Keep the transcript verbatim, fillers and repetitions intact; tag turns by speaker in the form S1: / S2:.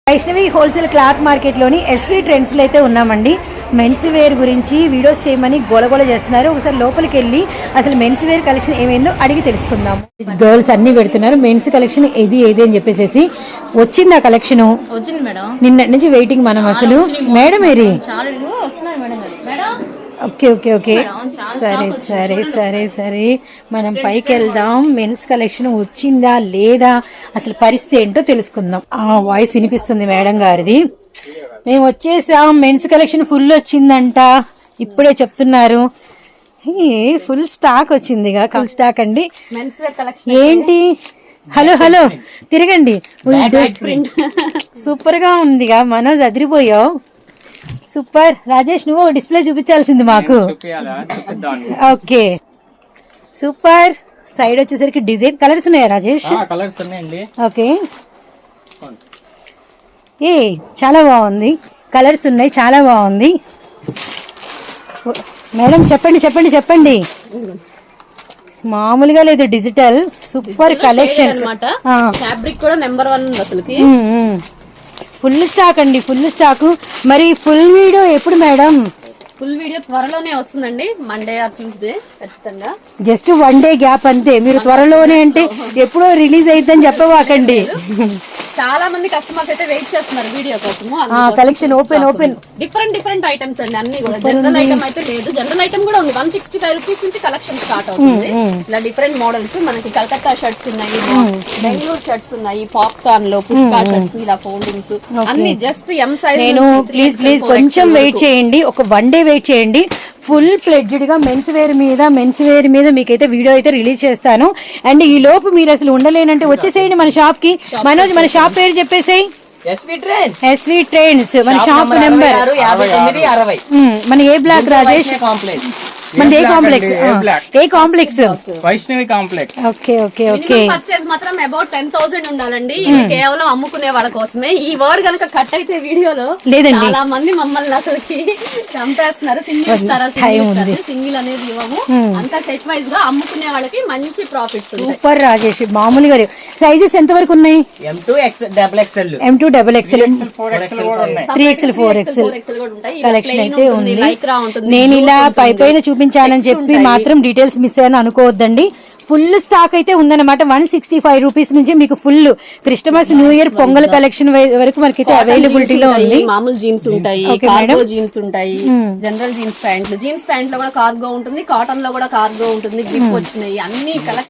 S1: Vaishnavi wholesale cloth market లోని ఎస్వీ ట్రెండ్స్ లో అయితే ఉన్నామండి. మెన్స్ వేర్ గురించి వీడియోస్ చేయమని గోలగోల చేస్తున్నారు. ఒకసారి లోపలికి వెళ్ళి అసలు మెన్స్ వేర్ కలెక్షన్ ఏమైందో అడిగి తెలుసుకుందాం. గర్ల్స్ అన్ని పెడుతున్నారు. మెన్స్ కలెక్షన్ ఏది ఏది అని చెప్పేసి వచ్చింది. ఆ కలెక్షన్
S2: వచ్చింది మేడం.
S1: నిన్నటి నుంచి వెయిటింగ్ మనం. అసలు మేడం ఏరి ఓకే ఓకే ఓకే సరే సరే సరే సరే మనం పైకి వెళ్దాం. మెన్స్ కలెక్షన్ వచ్చిందా లేదా అసలు పరిస్థితి ఏంటో తెలుసుకుందాం. ఆ వాయిస్ వినిపిస్తుంది మేడం గారిది. మేము వచ్చేసాం, మెన్స్ కలెక్షన్ ఫుల్ వచ్చిందంట ఇప్పుడే చెప్తున్నారు. ఫుల్ స్టాక్ వచ్చిందిగా, ఫుల్ స్టాక్ అండి.
S2: మెన్స్ వేర్ కలెక్షన్
S1: ఏంటి? హలో హలో తిరగండి. సూపర్ గా ఉందిగా. మనోజ్ అదిరిపోయావు. సూపర్. రాజేష్ నువ్వు డిస్ప్లే చూపించాల్సింది మాకు. Okay super. సైడ్ వచ్చేసరికి డిజైన్ కలర్స్ ఉన్నాయా రాజేష్?
S3: కలర్స్ ఉన్నాయండి.
S1: ఓకే ఏ చాలా బాగుంది. కలర్స్ ఉన్నాయి, చాలా బాగుంది. మేడం చెప్పండి చెప్పండి చెప్పండి. మామూలుగా లేదు, డిజిటల్ సూపర్ కలెక్షన్
S2: అన్నమాట. ఫ్యాబ్రిక్ కూడా నెంబర్ వన్ ఉంది అసలుకి.
S1: ఫుల్ స్టాక్ అండి, ఫుల్ స్టాక్. మరి ఫుల్ వీడియో ఎప్పుడు మేడం?
S2: ఫుల్ వీడియో త్వరలోనే వస్తుందండి, మండే ఆర్ ట్యూస్డే ఖచ్చితంగా.
S1: జస్ట్ వన్ డే గ్యాప్ అంతే. మీరు త్వరలోనే అంటే ఎప్పుడో రిలీజ్ అయిద్దని చెప్పవాకండి.
S2: చాలా మంది కస్టమర్స్ అయితే వెయిట్ చేస్తున్నారు వీడియో కోసం.
S1: Collection open open
S2: different different items అండి, అన్ని కూడా. జనరల్ ఐటమ్ అయితే లేదు, జనరల్ ఐటమ్ కూడా ఉంది. వన్ సిక్స్టీ ఫైవ్ రూపీస్ నుంచి కలెక్షన్ స్టార్ట్ అవుతుంది. ఇలా డిఫరెంట్ మోడల్స్ మనకి కలకత్తా షర్ట్స్ ఉన్నాయి, బెంగళూరు షర్ట్స్ ఉన్నాయి, పాప్కార్న్ లో పుష్పా షర్ట్స్, ఇలా ఫోల్డింగ్స్ అన్ని జస్ట్ ఎం సైజ్.
S1: నేను ప్లీజ్ ప్లీజ్ కొంచెం వెయిట్ చేయండి, ఒక వన్ డే వెయిట్ చేయండి. ఫుల్ ఫ్లెడ్జ్డ్ గా మెన్స్ వేర్ మీద మెన్స్ వేర్ మీద మీకైతే వీడియో అయితే రిలీజ్ చేస్తాను. అండ్ ఈ లోపు మీరు అసలు ఉండలేనంటే వచ్చేసేయండి మన షాప్ కి. మనోజ్ మన షాప్ పేరు చెప్పేసేయి. ఎస్వీ ట్రెండ్స్ మన షాప్ నెంబర్. మన ఏ బ్లాక్ రాజేష్? మన ఏ కాంప్లెక్స్? ఏ complex?
S3: Vaishnavi complex.
S1: Okay okay okay.
S2: Purchase మాత్రం అబౌట్ టెన్ థౌసండ్ ఉండాలండి. ఇది కేవలం అమ్ముకునే వాళ్ళ కోసమే. ఈ వర్డ్ కనుక కట్ అయితే వీడియోలో లేదండి, చాలా మంది మమ్మల్ని అసలుకి చంపేస్తున్నారు. సింగిల్ ఇస్తారా? సింగిల్ అనేది ఇవ్వము. అంతా సెట్ వైజ్ గా అమ్ముకునే వాళ్ళకి మంచి ప్రాఫిట్స్.
S1: సూపర్ రాజేష్. మామూలుగా సైజెస్ ఎంత వరకు ఉన్నాయి?
S3: M two double XL,
S1: M two double XL, three XL, four XL collection అయితే ఉంది. నేను ఇలా పై పైన చూపించానని చెప్పి మాత్రం డీటెయిల్స్ మిస్ అయ్యాను అనుకోవద్దండి. ఫుల్ స్టాక్ అయితే ఉందన్నమాట. వన్ సిక్స్టీ ఫైవ్ రూపీస్ నుంచి మీకు full Christmas, new year, Pongal collection వరకు మనకైతే అవైలబిలిటీలో ఉంది.
S2: మామూలు జీన్స్ ఉంటాయి, కార్గో జీన్స్ ఉంటాయి, జనరల్ జీన్స్ ప్యాంట్లు. జీన్స్ ప్యాంట్ లో కూడా కార్గో ఉంటుంది, కాటన్ లో కూడా కార్గో ఉంటుంది. గ్రిప్ వచ్చినాయి అన్ని కలెక్షన్.